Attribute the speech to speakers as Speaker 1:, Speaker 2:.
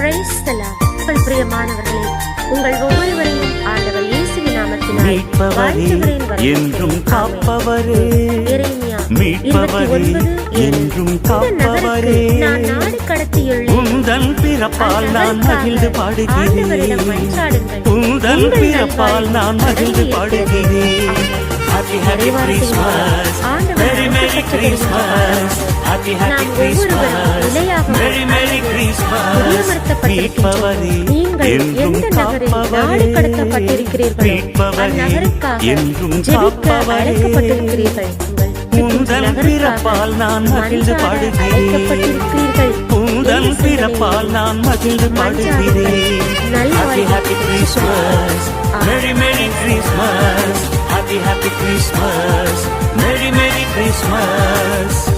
Speaker 1: Praise the Lord. உங்கள் பிரியமானவர்களே, உங்கள் ஒவ்வொருவரையும் ஆண்டவர் இயேசுவின் நாமத்தினால் வாழ்த்துகிறேன்.
Speaker 2: என்றும் காப்பவரே,
Speaker 1: எரேமியா
Speaker 2: மீட்பவரே,
Speaker 1: 29:7.
Speaker 2: என்றும்
Speaker 1: இந்த
Speaker 2: காப்பவரே,
Speaker 1: நகருக்கு நான் நாடு கடத்தியுள்ளேன்.
Speaker 2: உந்தன் பிறப்பால் நான் மகிழ்ந்து
Speaker 1: ஆண்டவரிடம்
Speaker 2: பாடுகிறேன்.
Speaker 1: மன்றாடுங்கள்.
Speaker 2: உந்தன் பிறப்பால் நான் மகிழ்ந்து பாடுகிறேன். Happy happy Christmas, Merry Merry Christmas, Happy happy Christmas, Merry Merry Christmas. மீட்பவரே, என்றும் காப்பவரே, மீட்பவரே, என்றும் காப்பவரே, உந்தன் பிறப்பால் நான் மகிழ்ந்து பாடுகிறேன். உந்தன் பிறப்பால் நான் மகிழ்ந்து பாடுகிறேன். Happy happy Christmas, Merry Merry Christmas, Happy happy Christmas, Merry Merry Christmas.